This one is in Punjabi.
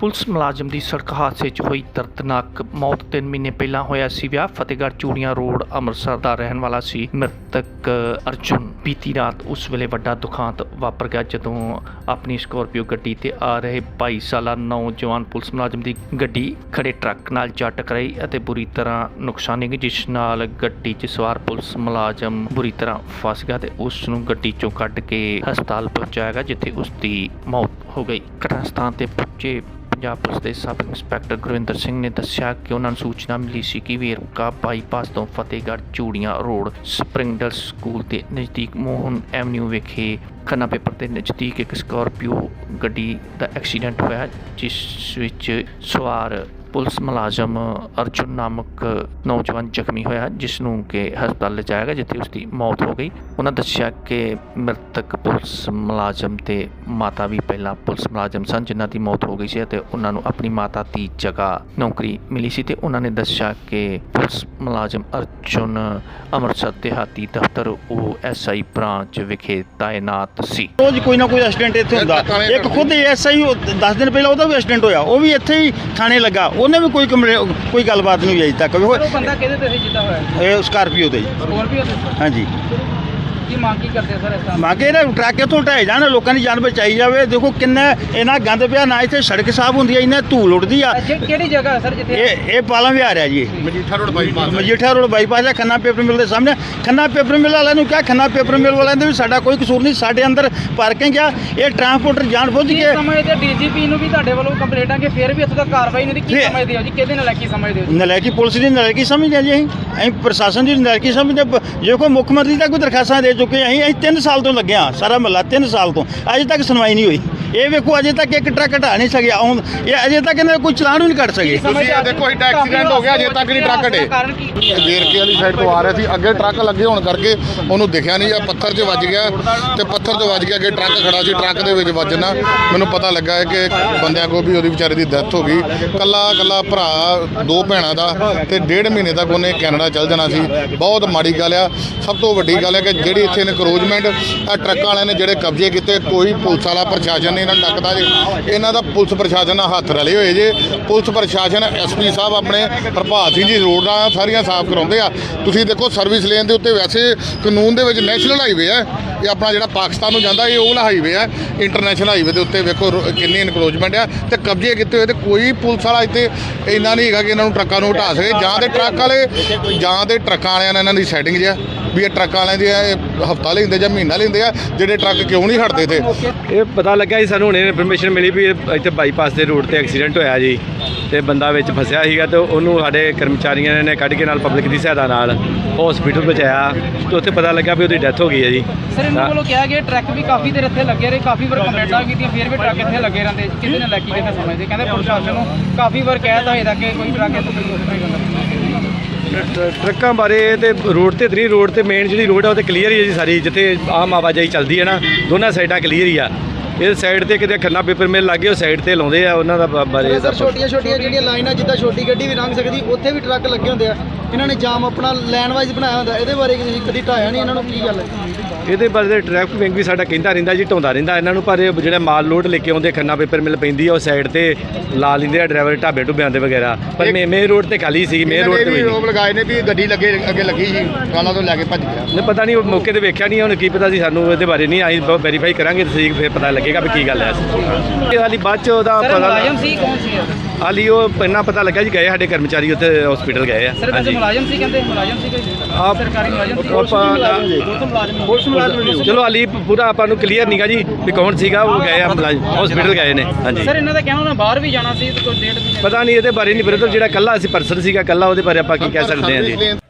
ਪੁਲਿਸ ਮੁਲਾਜ਼ਮ ਦੀ ਸੜਕ ਹਾਦਸੇ 'ਚ ਹੋਈ ਦਰਦਨਾਕ ਮੌਤ 3 ਮਹੀਨੇ ਪਹਿਲਾਂ ਹੋਇਆ ਸੀ ਵਿਆਹ। ਫਤਿਹਗੜ੍ਹ ਚੂੜੀਆਂ ਰੋਡ ਅੰਮ੍ਰਿਤਸਰ ਦਾ ਰਹਿਣ ਵਾਲਾ ਸੀ ਮ੍ਰਿਤਕ ਅਰਜੁਨ। ਬੀਤੀ ਰਾਤ ਉਸ ਵੇਲੇ ਵੱਡਾ ਦੁਖਾਂਤ ਵਾਪਰ ਗਿਆ ਜਦੋਂ ਆਪਣੀ ਸਕੋਰਪੀਓ ਗੱਡੀ ਤੇ ਆ ਰਹੇ 22 ਸਾਲਾ ਨੌਜਵਾਨ ਪੁਲਿਸ ਮੁਲਾਜ਼ਮ ਦੀ ਗੱਡੀ ਖੜੇ ਟਰੱਕ ਨਾਲ ਜਾ ਟਕਰਾਈ ਅਤੇ ਬੁਰੀ ਤਰ੍ਹਾਂ ਨੁਕਸਾਨੀ ਗਈ, ਜਿਸ ਨਾਲ ਗੱਡੀ 'ਚ ਸਵਾਰ ਪੁਲਿਸ ਮੁਲਾਜ਼ਮ ਬੁਰੀ ਤਰ੍ਹਾਂ ਫਸ ਗਿਆ ਤੇ ਉਸ ਨੂੰ ਗੱਡੀ 'ਚੋਂ ਕੱਢ ਕੇ ਹਸਪਤਾਲ ਪਹੁੰਚਾਇਆ ਗਿਆ, ਜਿੱਥੇ ਉਸ ਦੀ ਮੌਤ ਹੋ ਗਈ। ਘਟਨਾ ਸਥਾਨ ਤੇ ਪਹੁੰਚੇ ਪੰਜਾਬ ਪੁਲਿਸ ਦੇ ਸਬ ਇੰਸਪੈਕਟਰ ਗੁਰਵਿੰਦਰ ਸਿੰਘ ਨੇ ਦੱਸਿਆ ਕਿ ਉਹਨਾਂ ਨੂੰ ਸੂਚਨਾ ਮਿਲੀ ਸੀ ਕਿ ਵੇਰਕਾ ਬਾਈਪਾਸ ਤੋਂ ਫਤਿਹਗੜ੍ਹ ਚੂੜੀਆਂ ਰੋਡ ਸਪਰਿੰਗਡਲ ਸਕੂਲ ਦੇ ਨਜ਼ਦੀਕ ਮੋਹਨ ਐਵਨਿਊ ਵਿਖੇ ਖੰਨਾ ਪੇਪਰ ਦੇ ਨਜ਼ਦੀਕ ਇੱਕ ਸਕਾਰਪੀਓ ਗੱਡੀ ਦਾ ਐਕਸੀਡੈਂਟ ਹੋਇਆ, ਜਿਸ ਵਿੱਚ ਸਵਾਰ ਪੁਲਿਸ ਮੁਲਾਜ਼ਮ ਅਰਜੁਨ ਨਾਮਕ ਨੌਜਵਾਨ ਜ਼ਖਮੀ ਹੋਇਆ, ਜਿਸ ਨੂੰ ਕਿ ਹਸਪਤਾਲ ਲਿਜਾਇਆ ਗਿਆ, ਜਿੱਥੇ ਉਸ ਦੀ ਮੌਤ ਹੋ ਗਈ। ਉਹਨਾਂ ਦੱਸਿਆ ਕਿ ਮ੍ਰਿਤਕ ਪੁਲਿਸ ਮੁਲਾਜ਼ਮ ਤੇ ਮਾਤਾ ਵੀ ਪਹਿਲਾਂ ਪੁਲਿਸ ਮੁਲਾਜ਼ਮ ਸਨ, ਜਿਨ੍ਹਾਂ ਦੀ ਮੌਤ ਹੋ ਗਈ ਸੀ ਅਤੇ ਉਹਨਾਂ ਨੂੰ ਆਪਣੀ ਮਾਤਾ ਦੀ ਜਗ੍ਹਾ ਨੌਕਰੀ ਮਿਲੀ ਸੀ। ਤੇ ਉਹਨਾਂ ਨੇ ਦੱਸਿਆ ਕਿ ਪੁਲਿਸ ਮੁਲਾਜ਼ਮ ਅਰਜੁਨ ਅੰਮ੍ਰਿਤਸਰ ਦਿਹਾਤੀ ਦਫ਼ਤਰ OSI ਬ੍ਰਾਂਚ ਵਿਖੇ ਤਾਇਨਾਤ ਸੀ। ਰੋਜ਼ ਕੋਈ ਨਾ ਕੋਈ ਐਕਸੀਡੈਂਟ ਇੱਥੇ ਹੁੰਦਾ। ਇੱਕ ਖੁਦ ASI 10 ਦਿਨ ਪਹਿਲਾਂ ਉਹਦਾ ਵੀ ਐਕਸੀਡੈਂਟ ਹੋਇਆ, ਉਹ ਵੀ ਇੱਥੇ ਹੀ ਥਾਣੇ ਲੱਗਾ, ਉਹਨੇ ਵੀ ਕੋਈ ਗੱਲਬਾਤ ਨਹੀਂ ਹੋਈ ਅਜੇ ਤੱਕ। ਉਹ ਬੰਦਾ ਕਿਹਦੇ ਤੇ ਸੀ ਜਿੱਦਾਂ ਹੋਇਆ? ਇਹ ਸਕਾਰਪੀਓ ਤੇ। ਸਕੋਰਪੀਓ ਤੇ? ਹਾਂਜੀ। ਕੀ ਮੰਗ ਕੀ ਕਰਦੇ ਸਰ ਇਸ ਤਰ੍ਹਾਂ? ਮੰਗੇ ਇਹਨਾਂ ਟਰੱਕ ਇੱਥੋਂ ਢਾਏ ਜਾਣ, ਲੋਕਾਂ ਦੀ ਜਾਨ ਬਚਾਈ ਜਾਵੇ। ਦੇਖੋ ਕਿੰਨਾ ਇਹਨਾਂ ਗੰਦ ਪਿਆ, ਨਾ ਇੱਥੇ ਸੜਕ ਸਾਫ਼ ਹੁੰਦੀ ਹੈ, ਇਹਨਾਂ ਧੂਲ ਉੱਡਦੀ ਆ। ਕਿਹੜੀ ਜਗ੍ਹਾ ਸਰ ਜਿੱਥੇ ਇਹ ਪਾਲਾ ਵਿਹਾਰ ਹੈ ਜੀ, ਮਜੀਠਾ ਰੋਡ ਬਾਈਪਾਸ ਹੈ, ਖੰਨਾ ਪੇਪਰ ਮਿਲ ਦੇ ਸਾਹਮਣੇ। ਖੰਨਾ ਪੇਪਰ ਮਿਲ ਵਾਲਿਆਂ ਨੂੰ ਕਿਹਾ, ਖੰਨਾ ਪੇਪਰ ਮਿਲ ਵਾਲਿਆਂ ਦੇ ਵੀ ਸਾਡਾ ਕੋਈ ਕਸੂਰ ਨਹੀਂ, ਸਾਡੇ ਅੰਦਰ ਪਾਰਕਿੰਗ ਆ। ਇਹ ਟਰਾਂਸਪੋਰਟਰ ਜਾਣ ਬੁੱਝ ਕੇ ਸਮਝਦੇ DGP ਨੂੰ ਵੀ ਤੁਹਾਡੇ ਵੱਲੋਂ ਕੰਪਲੇਂਟਾਂ ਕਿ ਫਿਰ ਵੀ ਇੱਥੇ ਤੱਕ ਕਾਰਵਾਈ ਨਹੀਂ ਦੀ। ਕੀ ਸਮਝਦੇ ਹੋ ਜੀ? ਕਿਹਦੇ ਨਾਲ ਕੀ ਸਮਝਦੇ ਹੋ? ਨਲਾਇਕੀ ਪੁਲਿਸ ਦੀ ਨਲਾਇਕੀ ਸਮਝਦੇ ਹਾਂ ਜੀ। ਅਸੀਂ ਪ੍ਰਸ਼ਾਸਨ ਦੀ ਨਲਾਇਕੀ ਸਮਝਦੇ। ਜੇ ਕੋਈ ਮੁੱਖ ਮੰਤਰੀ ਤੱਕ ਕੋਈ ਦਰਖਾਸਤਾਂ ਦੇ ਚੁੱਕੇ, ਅਸੀਂ 3 ਸਾਲ ਤੋਂ ਲੱਗੇ ਹਾਂ, ਸਾਰਾ ਮਹੱਲਾ 3 ਸਾਲ ਤੋਂ ਅਜੇ ਤੱਕ ਸੁਣਵਾਈ ਨਹੀਂ ਹੋਈ। ਇਹ ਵੇਖੋ ਅਜੇ ਤੱਕ ਇੱਕ ਟਰੱਕ ਹਟਾ ਨਹੀਂ ਸਕਿਆ, ਇਹ ਅਜੇ ਤੱਕ ਇਹਨਾਂ ਕੋਈ ਚਲਾਨ ਵੀ ਨਹੀਂ ਕੱਢ ਸਕੇ। ਤੁਸੀਂ ਇਹ ਦੇਖੋ ਇੱਡਾ ਐਕਸੀਡੈਂਟ ਹੋ ਗਿਆ, ਅਜੇ ਤੱਕ ਨਹੀਂ ਟਰੱਕ ਹਟੇ। ਵੇਰਕੇ ਵਾਲੀ ਸਾਈਡ ਤੋਂ ਆ ਰਿਹਾ ਸੀ, ਅੱਗੇ ਟਰੱਕ ਲੱਗੇ ਹੋਣ ਕਰਕੇ ਉਹਨੂੰ ਦਿਖਿਆ ਨਹੀਂ, ਜਾਂ ਪੱਥਰ 'ਚ ਵੱਜ ਗਿਆ ਤੇ ਪੱਥਰ 'ਚ ਵੱਜ ਕੇ ਅੱਗੇ ਟਰੱਕ ਖੜਾ ਸੀ, ਟਰੱਕ ਦੇ ਵਿੱਚ ਵੱਜਣਾ ਮੈਨੂੰ ਪਤਾ ਲੱਗਾ ਹੈ ਕਿ ਬੰਦਿਆਂ ਕੋਲ ਵੀ ਉਹਦੀ ਵਿਚਾਰੇ ਦੀ ਡੈਥ ਹੋ ਗਈ। ਕੱਲਾ ਭਰਾ 2 ਭੈਣਾਂ ਦਾ ਤੇ 1.5 ਮਹੀਨੇ ਤੱਕ ਉਹਨੇ ਕੈਨੇਡਾ ਚੱਲ ਜਾਣਾ ਸੀ। ਬਹੁਤ ਮਾੜੀ ਗੱਲ ਆ। ਸਭ ਤੋਂ ਵੱਡੀ ਗੱਲ ਹੈ ਕਿ ਜਿਹੜੀ ਇੱਥੇ ਇਨਕਰੋਚਮੈਂਟ ਆ ਟਰੱਕਾਂ ਵਾਲਿਆਂ ਨੇ ਜਿਹੜੇ ਕਬਜ਼ੇ ਕੀਤੇ, ਕੋਈ ਪੁਲਿਸ ਵਾਲਾ ਪ੍ਰਸ਼ਾਸਨ ਨਹੀਂ ਇਹਨਾਂ ਨੂੰ ਡੱਕਦਾ ਜੇ। ਇਹਨਾਂ ਦਾ ਪੁਲਿਸ ਪ੍ਰਸ਼ਾਸਨ ਨਾਲ ਹੱਥ ਰਲੇ ਹੋਏ ਜੇ। ਪੁਲਿਸ ਪ੍ਰਸ਼ਾਸਨ SP ਸਾਹਿਬ ਆਪਣੇ ਪ੍ਰਭਾਤ ਸਿੰਘ ਜੀ ਰੋਡਾਂ ਸਾਰੀਆਂ ਸਾਫ਼ ਕਰਾਉਂਦੇ ਆ। ਤੁਸੀਂ ਦੇਖੋ ਸਰਵਿਸ ਲੇਨ ਦੇ ਉੱਤੇ ਵੈਸੇ ਕਾਨੂੰਨ ਦੇ ਵਿੱਚ ਨੈਸ਼ਨਲ ਹਾਈਵੇ ਆ, ਇਹ ਆਪਣਾ ਜਿਹੜਾ ਪਾਕਿਸਤਾਨ ਨੂੰ ਜਾਂਦਾ ਇਹ ਉਹ ਵਾਲਾ ਹਾਈਵੇ ਆ। ਇੰਟਰਨੈਸ਼ਨਲ ਹਾਈਵੇ ਦੇ ਉੱਤੇ ਵੇਖੋ ਕਿੰਨੀ ਇਨਕਰੋਚਮੈਂਟ ਆ ਤੇ ਕਬਜ਼ੇ ਕੀਤੇ ਹੋਏ, ਤੇ ਕੋਈ ਪੁਲਿਸ ਵਾਲਾ ਇੱਥੇ ਇੰਨਾ ਨਹੀਂ ਹੈਗਾ ਕਿ ਇਹਨਾਂ ਨੂੰ ਟਰੱਕਾਂ ਨੂੰ ਹਟਾ ਸਕੇ। ਜਾਂ ਤੇ ਟਰੱਕ ਵਾਲੇ ਜਾਂ ਤੇ ਟਰੱਕਾਂ ਵਾਲਿਆਂ ਨਾਲ ਇਹਨਾਂ ਦੀ ਸੈਟਿੰਗ ਜਿਹਾ ਵੀ ਇਹ ਟਰੱਕਾਂ ਵਾਲਿਆਂ ਦੀ ਹਫ਼ਤਾ ਲੈਂਦੇ ਜਾਂ ਮਹੀਨਾ ਲੈਂਦੇ ਆ, ਜਿਹੜੇ ਟਰੱਕ ਕਿਉਂ ਨਹੀਂ ਹਟਦੇ ਇੱਥੇ। ਇਹ ਪਤਾ ਲੱਗਾ ਜੀ ਸਾਨੂੰ, ਹੁਣੇ ਇਨਫੋਰਮੇਸ਼ਨ ਮਿਲੀ ਵੀ ਇੱਥੇ ਬਾਈਪਾਸ ਦੇ ਰੋਡ ਤੇ ਐਕਸੀਡੈਂਟ ਹੋਇਆ ਜੀ, ਤੇ ਬੰਦਾ ਵਿੱਚ ਫਸਿਆ ਸੀਗਾ ਤੇ ਉਹਨੂੰ ਸਾਡੇ ਕਰਮਚਾਰੀਆਂ ਨੇ ਕੱਢ ਕੇ ਨਾਲ ਪਬਲਿਕ ਦੀ ਸਹਾਇਤਾ ਨਾਲ ਹਸਪੀਟਲ ਪਹੁੰਚਾਇਆ ਤੇ ਉੱਥੇ ਪਤਾ ਲੱਗਾ ਵੀ ਉਹਦੀ ਡੈਥ ਹੋ ਗਈ ਹੈ ਜੀ। ਸਰ ਇਹਨਾਂ ਵੱਲੋਂ ਕਿਹਾ ਗਿਆ ਟਰੱਕ ਵੀ ਕਾਫੀ ਦੇਰ ਇੱਥੇ ਲੱਗੇ ਰਹੇ, ਕਾਫੀ ਵਾਰ ਕੰਪਲੇਂਟਾਂ ਕੀਤੀਆਂ, ਫਿਰ ਵੀ ਟਰੱਕ ਇੱਥੇ ਲੱਗੇ ਰਹਿੰਦੇ। ਕਿਹਦੇ ਨਾਲ ਲੱਗੀ ਕਿਹਦੇ ਸਮਝਦੇ? ਕਹਿੰਦੇ ਪ੍ਰਸ਼ਾਸਨ ਨੂੰ ਕਾਫੀ ਵਾਰ ਕਹਿ ਤਾ ਇਹਦਾ ਕਿ ਕੋਈ ਟਰੱਕ ਇੱਥੇ ਨਹੀਂ ਹੁੰਦਾ। ਟਰੱਕਾਂ ਬਾਰੇ ਤੇ ਰੋਡ ਤੇ 3 ਰੋਡ ਤੇ ਮੇਨ ਜਿਹੜੀ ਰੋਡ ਆ ਉਹ ਤੇ ਕਲੀਅਰ ਹੀ ਹੈ ਜੀ ਸਾਰੀ, ਜਿੱਥੇ ਆਮ ਆਵਾਜਾਈ ਚੱਲਦੀ ਹੈ ਨਾ, ਦੋਨਾਂ ਸਾਈਡਾਂ ਕਲੀਅਰ ਹੀ ਆ। ਇਹ ਸਾਈਡ ਤੇ ਕਿਤੇ ਖੰਨਾ ਪੇਪਰ ਮਿਲ ਲੱਗੇ, ਉਹ ਸਾਈਡ ਤੇ ਲਾਉਂਦੇ ਆ ਉਹਨਾਂ ਦਾ ਬਾਰੇ। ਸਰ ਛੋਟੀਆਂ ਜਿਹੜੀਆਂ ਲਾਈਨਾਂ ਜਿੱਦਾਂ ਛੋਟੀ ਗੱਡੀ ਵੀ ਲੰਘ ਸਕਦੀ, ਉੱਥੇ ਵੀ ਟਰੱਕ ਲੱਗੇ ਹੁੰਦੇ ਆ। ਇਹਨਾਂ ਨੇ ਜਾਮ ਆਪਣਾ ਲਾਈਨ ਵਾਈਜ਼ ਬਣਾਇਆ ਹੁੰਦਾ, ਇਹਦੇ ਬਾਰੇ ਕਦੀ ਢਾਇਆ ਨਹੀਂ ਇਹਨਾਂ ਨੂੰ? ਕੀ ਗੱਲ ਹੈ ਇਹਦੇ ਬਾਰੇ? ਟ੍ਰੈਫਿਕ ਵਿੰਗ ਵੀ ਸਾਡਾ ਕਹਿੰਦਾ ਰਹਿੰਦਾ ਜੀ, ਢਾਉਂਦਾ ਰਹਿੰਦਾ ਇਹਨਾਂ ਨੂੰ, ਪਰ ਇਹ ਜਿਹੜਾ ਮਾਲ ਲੋਡ ਲੈ ਕੇ ਆਉਂਦੇ ਖੰਨਾ ਪੇਪਰ ਮਿਲ ਪੈਂਦੀ ਆ, ਉਹ ਸਾਈਡ ਤੇ ਲਾ ਲੈਂਦੇ ਆ ਡਰਾਈਵਰ ਢਾਬੇ ਢੁੱਬਿਆਂ ਦੇ ਵਗੈਰਾ। ਪਰ ਮੇਨ ਰੋਡ ਤੇ ਖਾਲੀ ਸੀ, ਮੇਨ ਰੋਡ ਤੇ ਰੋਕ ਲਗਾਏ ਨੇ ਵੀ ਗੱਡੀ ਅੱਗੇ ਲੱਗੀ ਸੀ, ਕਾਲਾਂ ਤੋਂ ਲੈ ਕੇ ਭੱਜ ਗਿਆ। ਨਹੀਂ ਪਤਾ ਨਹੀਂ, ਉਹ ਮੌਕੇ ਤੇ ਵੇਖਿਆ ਨਹੀਂ, ਹੁਣ ਕੀ ਪਤਾ ਸੀ ਸਾਨੂੰ ਇਹਦੇ ਬਾਰੇ ਨਹੀਂ। ਅਸੀਂ ਵੈਰੀਫਾਈ ਕਰਾਂਗੇ ਤੇ ਫਿਰ ਪਤਾ ਲੱਗੇਗਾ ਵੀ ਕੀ ਗੱਲ ਹੈ। ਇਹ ਹਾਲੀ ਬਾਅਦ ਚ ਉਹਦਾ ਪਤਾ ਮੁਲਾਜ਼ਮ ਸੀ ਕੌਣ ਸੀ? ਹਾਲੀ ਉਹ ਇੰਨਾ ਪਤਾ ਲੱਗਾ ਜੀ, ਗਏ ਸਾਡੇ ਕਰਮਚਾਰੀ ਉੱਥੇ ਹਸਪੀਟਲ ਗਏ ਆ। ਸਰ ਵੈਸੇ ਮੁਲਾਜ਼ਮ ਸੀ, ਕਹਿੰਦੇ ਮੁਲਾਜ਼ਮ ਸੀ ਕੋਈ ਸਰਕਾਰੀ ਮੁਲਾਜ਼ਮ ਸੀ? ਚਲੋ ਹਾਲੀ ਪੂਰਾ ਆਪਾਂ ਨੂੰ ਕਲੀਅਰ ਨਹੀਂਗਾ ਜੀ ਵੀ ਕੌਣ ਸੀਗਾ, ਉਹ ਗਏ ਆ ਮੁਲਾਜ਼ਮ ਹਸਪੀਟਲ ਗਏ ਨੇ। ਹਾਂਜੀ ਸਰ ਇਹਨਾਂ ਦਾ ਕਹਿਣਾ ਉਹਨਾਂ ਬਾਹਰ ਵੀ ਜਾਣਾ ਸੀ, ਕੋਈ 1.5 ਮਹੀਨੇ ਪਤਾ ਨਹੀਂ ਇਹਦੇ ਬਾਰੇ ਨਹੀਂ ਬ੍ਰਦਰ, ਜਿਹੜਾ ਕੱਲਾ ਅਸੀਂ ਪਰਸਨ ਸੀਗਾ ਕੱਲਾ, ਉਹਦੇ ਬਾਰੇ ਆਪਾਂ ਕੀ ਕਹਿ ਸਕਦੇ ਹਾਂ ਜੀ।